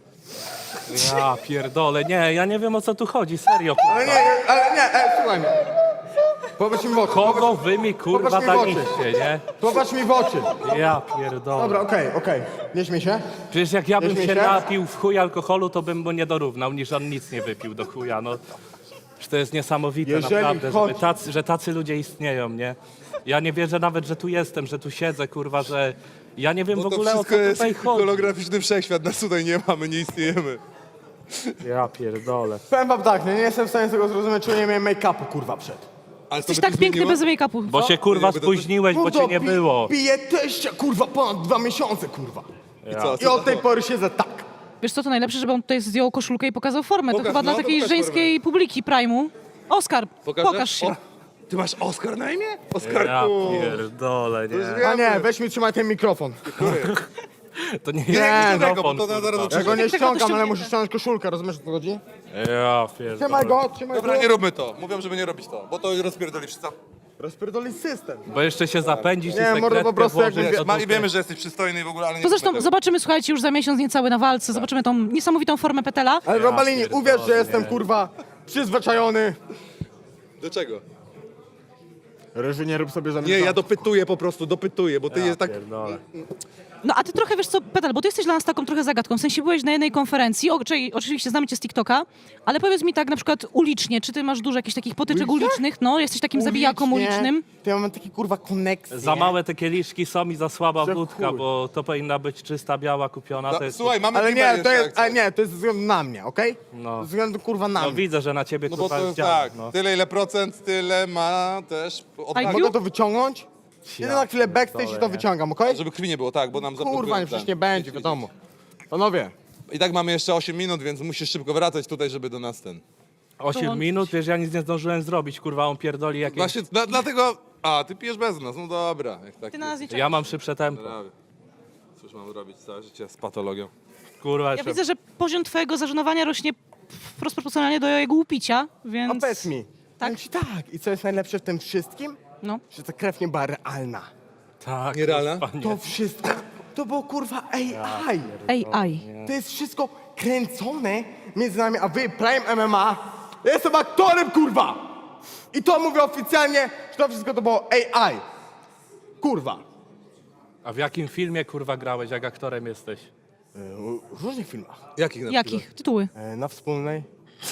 Speaker 4: Ja pierdolę. Nie, ja nie wiem o co tu chodzi, serio.
Speaker 3: Ale nie, słuchaj mnie. Popatrz mi w oczy.
Speaker 4: Kogo wy mi kurwa
Speaker 3: Popatrz mi w oczy.
Speaker 4: daliście, nie?
Speaker 3: Popatrz mi w oczy.
Speaker 4: Ja pierdolę.
Speaker 3: Dobra, okej. Nie śmiej się.
Speaker 4: Przecież jak ja bym
Speaker 3: Śmiej
Speaker 4: się
Speaker 3: się?
Speaker 4: napił w chuj alkoholu, to bym mu nie dorównał, niż on nic nie wypił do chuja, no. Że to jest niesamowite,
Speaker 3: Jeżeli
Speaker 4: naprawdę,
Speaker 3: chodzi-
Speaker 4: że tacy ludzie istnieją, nie? Ja nie wierzę nawet, że tu jestem, że tu siedzę, kurwa, że... Ja nie wiem w
Speaker 1: Bo to
Speaker 4: ogóle o co
Speaker 1: wszystko jest
Speaker 4: tutaj chodzi.
Speaker 1: holograficzny wszechświat, nas tutaj nie mamy, nie istniejemy.
Speaker 4: Ja pierdolę.
Speaker 3: Powiem wam tak, nie jestem w stanie tego zrozumieć, czemu nie miałem make-upu, kurwa, przed.
Speaker 1: Ale
Speaker 2: Jesteś tak piękny bez make-upu.
Speaker 4: Bo się kurwa
Speaker 1: Jakby to-
Speaker 4: spóźniłeś, bo cię nie było.
Speaker 3: Piję teścia, kurwa, ponad 2 miesiące, kurwa.
Speaker 1: I co?
Speaker 3: I od tej pory siedzę tak.
Speaker 2: Wiesz co, to najlepsze, żeby on tutaj zdjął koszulkę i pokazał formę. To
Speaker 1: Pokaż,
Speaker 2: chyba dla
Speaker 1: no, to
Speaker 2: takiej
Speaker 1: pokaż
Speaker 2: żeńskiej publiki Prime'u. Oskar, pokaż się.
Speaker 1: O, ty masz Oskar na imię?
Speaker 4: Ja
Speaker 1: Oskarku.
Speaker 4: pierdolę, nie.
Speaker 3: A nie, weź mi trzymaj ten mikrofon.
Speaker 4: To nie
Speaker 1: Nie,
Speaker 4: jest
Speaker 1: tego,
Speaker 4: mikrofon,
Speaker 1: bo to na zaraz
Speaker 4: kurwa.
Speaker 3: Ja go nie
Speaker 2: Tego to
Speaker 3: ściągam, ale
Speaker 2: ściągnięte.
Speaker 3: muszę ściągnąć koszulkę, rozumiesz o co chodzi?
Speaker 4: Ja pierdolę.
Speaker 3: Trzymaj go.
Speaker 1: Dobra, nie róbmy to. Mówią, żeby nie robić to, bo to rozpierdoli wszystko.
Speaker 3: Rozpierdoli system.
Speaker 4: Bo jeszcze się zapędzić
Speaker 3: Nie,
Speaker 4: i
Speaker 3: mordo,
Speaker 4: sekretkę
Speaker 3: po prostu
Speaker 4: włożyć
Speaker 3: jakby-
Speaker 4: do
Speaker 1: I
Speaker 4: dupy.
Speaker 1: wiemy, że jesteś przystojny i w ogóle, ale nie
Speaker 2: To
Speaker 1: róbmy
Speaker 2: zresztą
Speaker 1: tego.
Speaker 2: zobaczymy, słuchajcie, już za miesiąc niecały na walce. Zobaczymy tą niesamowitą formę Petela.
Speaker 3: Ale Robalini,
Speaker 4: pierdolę,
Speaker 3: uwierz, że
Speaker 4: nie.
Speaker 3: jestem, kurwa, przyzwyczajony.
Speaker 1: Do czego?
Speaker 3: Ryży, nie rób sobie żadnych
Speaker 1: Nie, ja
Speaker 3: żartów.
Speaker 1: dopytuję po prostu, dopytuję, bo ty jest tak...
Speaker 4: Pierdolę.
Speaker 2: No a ty trochę, wiesz co, Petel, bo ty jesteś dla nas taką trochę zagadką. W sensie byłeś na jednej konferencji, czyli oczywiście znamy cię z TikToka, ale powiedz mi tak na przykład ulicznie, czy ty masz dużo jakichś takich potyczek
Speaker 3: Ulicznie?
Speaker 2: ulicznych? No, jesteś takim zabijaką ulicznym.
Speaker 3: To ja mam taki, kurwa, koneksję.
Speaker 4: Za małe te kieliszki są i za słaba
Speaker 3: Że
Speaker 4: wódka,
Speaker 3: chuj.
Speaker 4: bo to powinna być czysta, biała, kupiona. To jest...
Speaker 1: Słuchaj, mamy
Speaker 3: Ale
Speaker 1: klimat
Speaker 3: nie,
Speaker 1: jeszcze,
Speaker 3: to
Speaker 1: jak
Speaker 3: jest,
Speaker 1: coś.
Speaker 3: ale nie, to jest ze względu na mnie, okej?
Speaker 4: No.
Speaker 3: Ze względu, kurwa, na
Speaker 4: No
Speaker 3: mnie.
Speaker 4: widzę, że na ciebie
Speaker 1: No bo
Speaker 4: kurwa
Speaker 1: to
Speaker 4: jest
Speaker 1: jest tak,
Speaker 4: no.
Speaker 1: tyle ile procent, tyle ma też odwagi.
Speaker 3: Mogę to wyciągnąć? Idę na chwilę backstage i to
Speaker 4: pierdolę, nie.
Speaker 3: wyciągam, okej?
Speaker 1: Żeby krwi nie było, tak, bo nam zablokują
Speaker 3: Kurwa,
Speaker 1: ten.
Speaker 3: przecież nie będzie, wiadomo. Panowie,
Speaker 1: I tak mamy jeszcze 8 minut, więc musisz szybko wracać tutaj, żeby do nas ten...
Speaker 4: 8
Speaker 2: Dołączyć.
Speaker 4: minut, wiesz, ja nic nie zdążyłem zrobić, kurwa, on pierdoli jakieś...
Speaker 1: Właśnie dlatego... A, ty pijesz bez nas, no dobra. Jak tak
Speaker 2: Ty na nas nie
Speaker 4: Ja
Speaker 2: czekasz.
Speaker 4: mam szybsze tempo,
Speaker 1: Prawie. Cóż mam robić całe życie z patologią?
Speaker 4: kurwa,
Speaker 2: Ja
Speaker 4: jeszcze...
Speaker 2: widzę, że poziom twojego zażenowania rośnie wprost proporcjonalnie do jego upicia, więc...
Speaker 3: a powiedz mi.
Speaker 2: Tak?
Speaker 3: Powiem ci tak. I co jest najlepsze w tym wszystkim?
Speaker 2: No.
Speaker 3: Że ta krew nie była realna.
Speaker 4: Tak,
Speaker 1: Nierealna?
Speaker 4: kurwa, nie.
Speaker 3: To wszystko, to było, kurwa, AI.
Speaker 2: AI.
Speaker 3: To jest wszystko kręcone między nami, a wy, Prime MMA, ja jestem aktorem, kurwa! I to mówię oficjalnie, że to wszystko to było AI. Kurwa.
Speaker 4: A w jakim filmie, kurwa, grałeś, jak aktorem jesteś?
Speaker 3: W różnych filmach.
Speaker 1: Jakich na
Speaker 2: Jakich? Tytuły.
Speaker 3: Na wspólnej.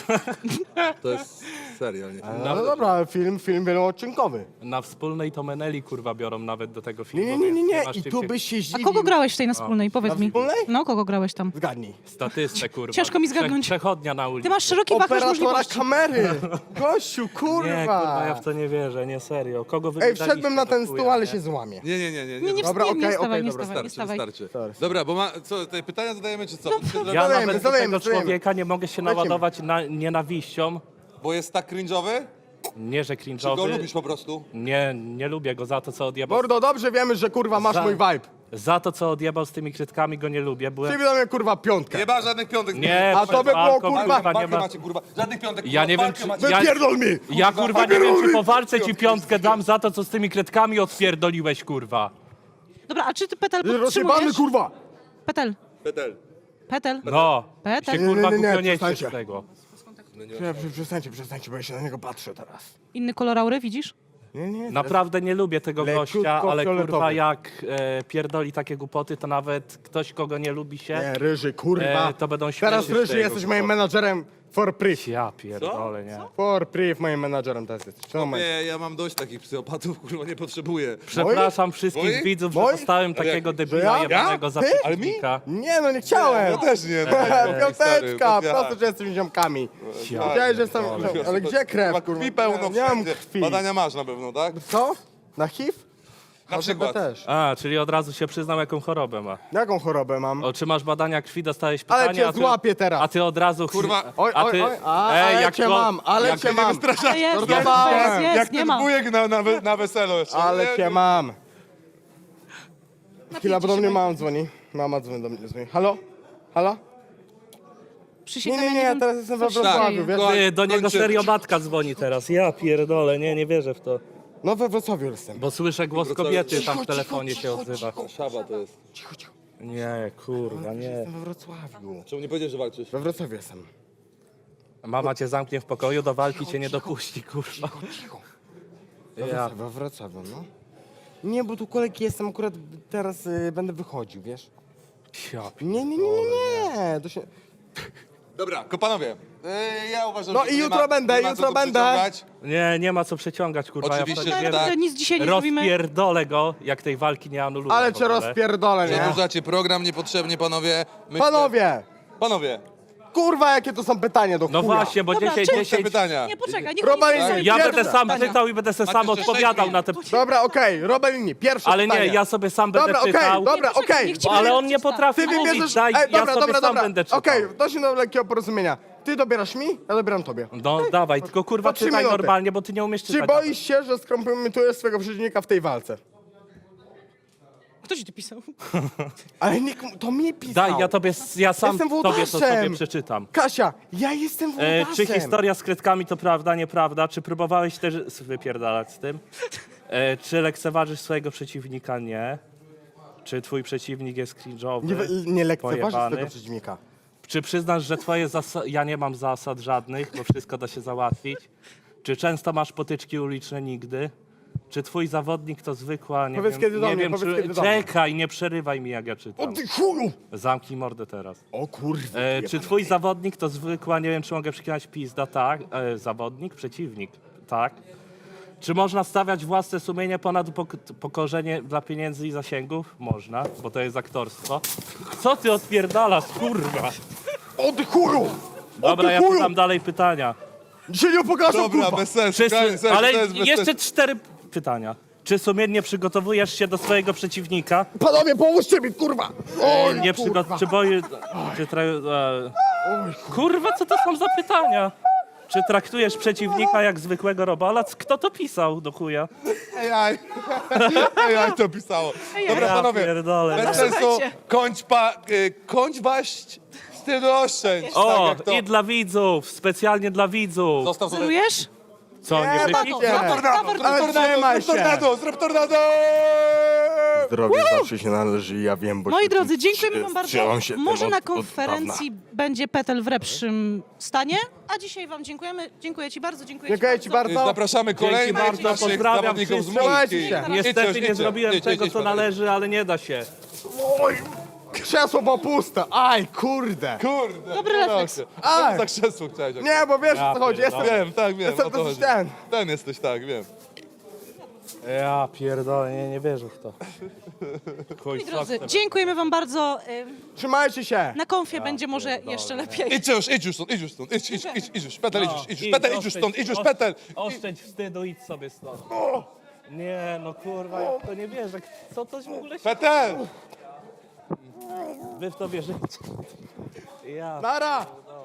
Speaker 1: To jest serial, nie?
Speaker 3: No dobra, film wieloodcinkowy.
Speaker 4: Na wspólnej to Meneli, kurwa, biorą nawet do tego filmu.
Speaker 3: Nie.
Speaker 4: więc masz
Speaker 3: I
Speaker 4: czym
Speaker 3: tu
Speaker 4: się-
Speaker 3: byś się
Speaker 2: A
Speaker 3: zdziwił.
Speaker 2: kogo grałeś w tej na wspólnej? Powiedz
Speaker 3: Na
Speaker 2: mi.
Speaker 3: wspólnej?
Speaker 2: No, kogo grałeś tam?
Speaker 3: Zgadnij.
Speaker 4: Statystę, kurwa.
Speaker 2: Ciężko mi zgadnąć.
Speaker 4: Przechodnia na ulicy.
Speaker 2: Ty masz szeroki wachlarz
Speaker 3: Operatora
Speaker 2: możliwości.
Speaker 3: kamery. Gościu, kurwa.
Speaker 4: Nie, kurwa, ja w to nie wierzę, nie serio. Kogo wy
Speaker 3: Ej,
Speaker 4: mi daliście
Speaker 3: wszedłem na
Speaker 4: do
Speaker 3: ten
Speaker 4: chuja,
Speaker 3: stół, ale
Speaker 4: nie?
Speaker 3: się złamie.
Speaker 2: Nie
Speaker 3: Dobra,
Speaker 2: wstawaj, nie
Speaker 3: okej,
Speaker 2: stawaj,
Speaker 3: okej,
Speaker 2: nie
Speaker 3: dobra,
Speaker 2: stawaj, nie stawaj.
Speaker 1: Wystarczy. Dobra, bo co, te pytania zadajemy czy co?
Speaker 4: Ja
Speaker 3: Zadajemy,
Speaker 4: nawet do
Speaker 3: zadajemy,
Speaker 4: tego
Speaker 3: zadajemy.
Speaker 4: człowieka nie mogę się
Speaker 3: Lecimy.
Speaker 4: naładować nienawiścią.
Speaker 1: Bo jest tak cringe'owy?
Speaker 4: Nie, że
Speaker 1: Czy go
Speaker 4: cringe'owy.
Speaker 1: lubisz po prostu?
Speaker 4: Nie lubię go za to, co odjebał.
Speaker 3: Mordo, dobrze wiemy, że kurwa masz
Speaker 4: Za-
Speaker 3: mój vibe.
Speaker 4: Za to, co odjebał z tymi krytkami, go nie lubię. Byłem...
Speaker 3: Ty do mnie kurwa piątkę.
Speaker 1: Nie ma żadnych piątek.
Speaker 4: Nie,
Speaker 3: A to by było,
Speaker 4: walką,
Speaker 3: kurwa,
Speaker 4: nie ma...
Speaker 1: macie, kurwa. Żadnych piątek.
Speaker 4: Ja nie wiem,
Speaker 1: walkę
Speaker 4: czy-
Speaker 1: macie.
Speaker 4: ja-
Speaker 3: Wypierdol mi!
Speaker 4: Ja kurwa nie wiem, czy po walce ci piątkę dam za to, co z tymi krytkami odpierdoliłeś, kurwa.
Speaker 2: Dobra, a czy ty Petel
Speaker 3: Rozjebany
Speaker 2: podtrzymujesz?
Speaker 3: kurwa!
Speaker 2: Petel.
Speaker 1: Petel.
Speaker 2: Petel.
Speaker 4: No,
Speaker 2: Petel.
Speaker 4: się kurwa
Speaker 3: Nie,
Speaker 4: głupio nie
Speaker 3: przestańcie.
Speaker 4: z tego.
Speaker 3: Przestańcie, bo ja się na niego patrzę teraz.
Speaker 2: Inny kolor aury, widzisz?
Speaker 3: Nie.
Speaker 4: Naprawdę nie lubię tego
Speaker 3: Leciutko
Speaker 4: gościa, ale kurwa
Speaker 3: fioletowy.
Speaker 4: jak pierdoli takie głupoty, to nawet ktoś, kogo nie lubi się,
Speaker 3: Nie, Ryży, kurwa.
Speaker 4: to będą śmieci
Speaker 3: Teraz
Speaker 4: z
Speaker 3: Ryży
Speaker 4: tego
Speaker 3: jesteś moim
Speaker 4: głupoty.
Speaker 3: menadżerem For priv.
Speaker 4: Ja pierdolę, nie.
Speaker 3: For priv moim menadżerem teraz jesteś. No, moment.
Speaker 1: Nie, ja mam dość takich psychopatów, kurwa, nie potrzebuję.
Speaker 4: Przepraszam wszystkich
Speaker 1: Moi?
Speaker 4: widzów, że
Speaker 3: Moi?
Speaker 4: dostałem takiego
Speaker 3: Że
Speaker 4: debila
Speaker 3: ja?
Speaker 4: jebanego za
Speaker 3: Ty?
Speaker 1: Ale mi?
Speaker 4: przeciwnika.
Speaker 3: Nie, no nie chciałem.
Speaker 1: Ja też nie.
Speaker 3: Piąteczka, prosto, że jesteśmy ziomkami. Wiedziałeś, że jestem... Ale gdzie krew,
Speaker 1: Chyba
Speaker 3: kurwa?
Speaker 1: krwi pełno
Speaker 3: Nie mam
Speaker 1: wszędzie.
Speaker 3: krwi.
Speaker 1: Badania masz na pewno, tak?
Speaker 3: Co? Na HIV?
Speaker 1: Na przykład.
Speaker 3: też.
Speaker 4: A, czyli od razu się przyznał, jaką chorobę ma.
Speaker 3: Jaką chorobę mam?
Speaker 4: O, czy masz badania krwi, dostałeś pytanie,
Speaker 3: Ale cię
Speaker 4: a ty,
Speaker 3: złapię teraz.
Speaker 4: a ty od razu...
Speaker 1: Kurwa.
Speaker 3: Oj,
Speaker 4: a
Speaker 3: oj,
Speaker 4: ty,
Speaker 3: oj, ale
Speaker 4: jak
Speaker 3: cię
Speaker 4: to-
Speaker 3: mam, ale
Speaker 4: jak
Speaker 3: cię
Speaker 4: ty
Speaker 3: mam.
Speaker 2: Ale jest,
Speaker 3: Żartowałem.
Speaker 2: jest,
Speaker 1: Jak
Speaker 2: nie
Speaker 1: ten
Speaker 2: ma.
Speaker 1: wujek na weselu jeszcze.
Speaker 3: Ale
Speaker 1: Nie,
Speaker 3: cię mam. Chwila,
Speaker 2: Napijcie
Speaker 3: bo do
Speaker 2: się,
Speaker 3: mnie
Speaker 2: Majka.
Speaker 3: mama dzwoni. Mama dzwoni do mnie. Halo? Halo?
Speaker 2: Przysięgam,
Speaker 3: Nie,
Speaker 2: ja wiem,
Speaker 3: teraz jestem we
Speaker 2: co się
Speaker 3: Wrocławiu,
Speaker 2: dzieje.
Speaker 3: wiesz?
Speaker 4: Ty, do niego
Speaker 1: Kończy.
Speaker 4: serio matka dzwoni teraz. Ja pierdolę, nie wierzę w to.
Speaker 3: No we Wrocławiu jestem.
Speaker 4: Bo słyszę głos kobiety, tam w telefonie się odzywa.
Speaker 1: Szaba to jest.
Speaker 3: Cicho, cicho.
Speaker 4: Nie, kurwa, nie.
Speaker 3: Jestem we Wrocławiu.
Speaker 1: Czemu nie powiedziesz, że walczysz?
Speaker 3: We Wrocławiu jestem.
Speaker 4: Mama cię zamknie w pokoju, do walki cię nie dopuści, kurwa.
Speaker 3: Cicho.
Speaker 4: Ja.
Speaker 3: We Wrocławiu, no. Nie, bo tu kolegi jestem, akurat teraz będę wychodził, wiesz?
Speaker 4: Ja
Speaker 3: Nie. To się...
Speaker 1: Dobra, panowie. Ja uważam,
Speaker 3: No
Speaker 1: że
Speaker 3: i
Speaker 1: nie
Speaker 3: jutro
Speaker 1: ma,
Speaker 3: będę,
Speaker 1: nie ma
Speaker 3: jutro
Speaker 1: co tu
Speaker 3: będę.
Speaker 1: przeciągać.
Speaker 4: Nie ma co przeciągać, kurwa.
Speaker 1: Oczywiście,
Speaker 4: ja
Speaker 1: że
Speaker 4: wtedy
Speaker 1: tak.
Speaker 2: Nic dzisiaj nie zrobimy.
Speaker 4: rozpierdolę go, jak tej walki nie anuluję.
Speaker 3: Ale
Speaker 4: w
Speaker 3: cię
Speaker 4: ogóle.
Speaker 3: rozpierdolę, nie?
Speaker 1: Przedłużacie program niepotrzebnie, panowie. Myślę-
Speaker 3: Panowie!
Speaker 1: Panowie,
Speaker 3: Kurwa, jakie to są pytania do
Speaker 4: No
Speaker 3: chuja.
Speaker 4: właśnie, bo
Speaker 2: Dobra,
Speaker 4: 10,
Speaker 2: czy-
Speaker 1: te
Speaker 4: 10...
Speaker 1: pytania.
Speaker 2: Nie, poczekaj, niech
Speaker 3: Robert,
Speaker 2: oni sobie
Speaker 3: ja
Speaker 4: Ja
Speaker 2: zadają
Speaker 4: będę sam
Speaker 2: pytania.
Speaker 4: czytał i będę se sam
Speaker 1: jeszcze
Speaker 4: odpowiadał
Speaker 1: sześć
Speaker 4: na te...
Speaker 3: Dobra, okej, Robelini, pierwsze
Speaker 4: Ale
Speaker 3: pytanie.
Speaker 4: nie, ja sobie sam będę
Speaker 3: Dobra, okej,
Speaker 4: czytał.
Speaker 3: dobra,
Speaker 2: Nie, poczekaj,
Speaker 3: okej.
Speaker 2: niech ci
Speaker 4: Ale
Speaker 2: powie,
Speaker 4: on nie
Speaker 2: co czyta.
Speaker 4: potrafi
Speaker 3: Ty
Speaker 4: mówić,
Speaker 3: wybierzesz...
Speaker 4: daj,
Speaker 3: Ej,
Speaker 4: ja
Speaker 3: dobra,
Speaker 4: sobie
Speaker 3: dobra,
Speaker 4: sam
Speaker 3: dobra.
Speaker 4: będę czytał.
Speaker 3: Okej, doszliśmy do lekkiego porozumienia. Ty dobierasz mi, ja dobieram tobie.
Speaker 4: No dawaj, tylko kurwa
Speaker 3: Po 3
Speaker 4: czytaj
Speaker 3: minuty.
Speaker 4: normalnie, bo ty nie umiesz
Speaker 3: Czy
Speaker 4: czytać.
Speaker 3: boisz się, że skompromitujesz swojego przeciwnika w tej walce?
Speaker 2: Kto ci to pisał?
Speaker 3: Ale nie, to mnie pisał.
Speaker 4: Daj, ja sam
Speaker 3: Jestem
Speaker 4: tobie to
Speaker 3: włodaszem.
Speaker 4: sobie przeczytam.
Speaker 3: Kasia, ja jestem włodaszem.
Speaker 4: Czy historia z kredkami to prawda, nieprawda? Czy próbowałeś też wypierdalać z tym? Czy lekceważysz swojego przeciwnika? Nie. Czy twój przeciwnik jest cringe'owy?
Speaker 3: Nie lekceważysz
Speaker 4: pojebany?
Speaker 3: swojego przeciwnika.
Speaker 4: Czy przyznasz, że twoje zasady... Ja nie mam zasad żadnych, bo wszystko da się załatwić. Czy często masz potyczki uliczne? Nigdy. Czy twój zawodnik to zwykła, nie
Speaker 3: Powiedz
Speaker 4: wiem,
Speaker 3: kiedy do
Speaker 4: nie
Speaker 3: mnie,
Speaker 4: wiem,
Speaker 3: powiedz
Speaker 4: czy...
Speaker 3: kiedy do mnie.
Speaker 4: Czekaj, nie przerywaj mi, jak ja
Speaker 3: O
Speaker 4: czytam.
Speaker 3: ty chuju!
Speaker 4: Zamknij mordę teraz.
Speaker 3: O kurwa.
Speaker 4: Czy twój zawodnik to zwykła, nie wiem, czy mogę przekinać pizda? Tak. Zawodnik? Przeciwnik? Tak. Czy można stawiać własne sumienie ponad upokorzenie dla pieniędzy i zasięgów? Można, bo to jest aktorstwo. Co ty odpierdalasz, kurwa?
Speaker 3: O ty chuju!
Speaker 4: Dobra, ja
Speaker 3: chuju!
Speaker 4: pytam dalej pytania.
Speaker 3: Dzisiaj nie pokażę,
Speaker 1: Dobra,
Speaker 3: kurwa!
Speaker 1: bez sensu.
Speaker 4: Wszyscy,
Speaker 1: koniec, sensu,
Speaker 4: ale
Speaker 1: to jest bez
Speaker 4: jeszcze
Speaker 1: sensu.
Speaker 4: 4 pytania. Czy sumiennie przygotowujesz się do swojego przeciwnika?
Speaker 3: Panowie, pomóżcie mi, kurwa! Oj,
Speaker 4: Nie czy boję... Czy kurwa, co to są za pytania? Czy traktujesz przeciwnika jak zwykłego robala? Kto to pisał do chuja?
Speaker 1: AI. AI to pisało. Dobra,
Speaker 4: Ja
Speaker 1: panowie.
Speaker 4: pierdolę.
Speaker 1: Bez
Speaker 4: nie.
Speaker 1: sensu.
Speaker 2: Słuchajcie.
Speaker 1: Kończ waść styl roszczeń.
Speaker 4: O,
Speaker 1: Tak jak to.
Speaker 4: i dla widzów, specjalnie dla widzów.
Speaker 1: Zostaw sobie.
Speaker 2: Celujesz?
Speaker 4: Co, nie
Speaker 3: Nie,
Speaker 4: wypij?
Speaker 3: Ale trzymaj się!
Speaker 1: Zrób tornado!
Speaker 3: Zdrowie zawsze się należy i ja wiem, bo...
Speaker 2: Moi
Speaker 3: się
Speaker 2: drodzy,
Speaker 3: tym
Speaker 2: dziękujemy wam bardzo.
Speaker 3: trzymam się tym
Speaker 2: Może na
Speaker 3: od
Speaker 2: konferencji będzie Petel w lepszym stanie, a dzisiaj wam dziękujemy. Dziękuję ci bardzo, dziękuję
Speaker 3: Dziękuję ci bardzo.
Speaker 1: Zapraszamy kolejnych
Speaker 4: bardzo,
Speaker 1: naszych
Speaker 4: pozdrawiam
Speaker 1: zawodników z
Speaker 4: wszystkich.
Speaker 1: Polski.
Speaker 3: Trzymajcie się.
Speaker 4: Niestety nie zrobiłem tego, co należy, ale nie da się.
Speaker 3: Oj, krzesło było puste. Aj, kurde.
Speaker 1: Kurde.
Speaker 2: Dobry refleks.
Speaker 3: Aj.
Speaker 1: Za krzesło chciałeś.
Speaker 3: Nie, bo wiesz
Speaker 4: Ja
Speaker 3: o co chodzi.
Speaker 4: pierdolę.
Speaker 3: Jestem...
Speaker 1: Wiem, tak, wiem.
Speaker 3: Jestem
Speaker 1: o to
Speaker 3: dosyć
Speaker 1: chodzi.
Speaker 3: ten.
Speaker 1: Ten jesteś, tak, wiem.
Speaker 4: Ja pierdolę, nie wierzę w to. Chuj,
Speaker 2: Moi drodzy,
Speaker 4: sok
Speaker 2: dziękujemy wam bardzo.
Speaker 3: Trzymajcie się.
Speaker 2: Na konfie będzie może jeszcze lepiej.
Speaker 1: Idź już stąd, idź już stąd. Idź już. Petel, idź już.
Speaker 4: idź,
Speaker 1: Petel, idź już stąd, idź już, Petel.
Speaker 4: Oszczędź wstydu, idź sobie stąd. Nie, no kurwa, ja w to nie wierzę. Co to w ogóle się...
Speaker 1: Petel!
Speaker 4: Wy w to wierzycie? Ja
Speaker 3: Nara.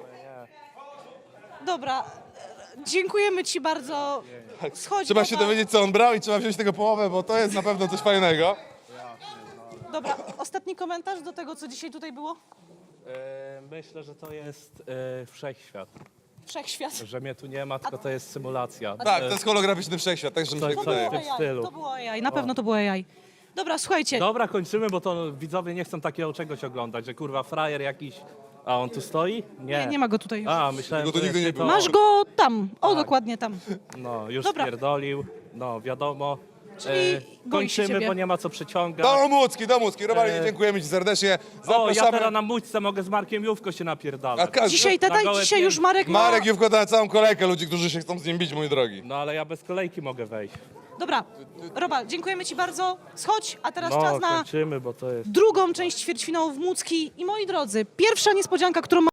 Speaker 2: Dobra, dziękujemy ci bardzo. Schodź
Speaker 1: Trzeba
Speaker 2: na
Speaker 1: się
Speaker 2: dół.
Speaker 1: dowiedzieć, co on brał i trzeba wziąć tego połowę, bo to jest na pewno coś fajnego.
Speaker 2: Dobra, ostatni komentarz do tego, co dzisiaj tutaj było?
Speaker 4: myślę, że to jest wszechświat.
Speaker 2: Wszechświat.
Speaker 4: Że mnie tu nie ma, tylko to jest symulacja.
Speaker 1: Tak, to jest holograficzny wszechświat, także mi się
Speaker 4: Coś-
Speaker 2: To
Speaker 1: wydaje.
Speaker 2: było
Speaker 4: w tym
Speaker 2: AI,
Speaker 4: stylu.
Speaker 2: to było AI, na pewno to było AI. Dobra, słuchajcie,
Speaker 4: Dobra, kończymy, bo to widzowie nie chcą takiego czegoś oglądać, że kurwa frajer jakiś... A on tu stoi?
Speaker 2: nie ma go tutaj już.
Speaker 4: A, myślałem,
Speaker 1: Tego tu
Speaker 4: że
Speaker 1: nigdy nie
Speaker 4: jest
Speaker 1: było.
Speaker 4: tylko-
Speaker 2: Masz go tam, o dokładnie tam.
Speaker 4: No, już
Speaker 2: Dobra.
Speaker 4: spierdolił. No, wiadomo.
Speaker 2: Czyli boi się
Speaker 4: Kończymy,
Speaker 2: ciebie.
Speaker 4: bo nie ma co przeciągać.
Speaker 1: Do Mucki. Robali, dziękujemy ci serdecznie.
Speaker 4: O, ja
Speaker 1: Zapraszamy.
Speaker 4: teraz na mućce mogę z Markiem Jówko się napierdalać.
Speaker 2: Dzisiaj,
Speaker 4: Na gołe
Speaker 2: dzisiaj już
Speaker 4: pięty.
Speaker 2: Marek ma...
Speaker 1: Marek Jówko na całą kolejkę ludzi, którzy się chcą z nim bić, mój drogi.
Speaker 4: No ale ja bez kolejki mogę wejść.
Speaker 2: Dobra, Roba, dziękujemy ci bardzo. Schodź, a teraz
Speaker 4: No,
Speaker 2: czas na
Speaker 4: kończymy, bo to jest...
Speaker 2: drugą część ćwierćfinału w Mucki. I moi drodzy, pierwsza niespodzianka, którą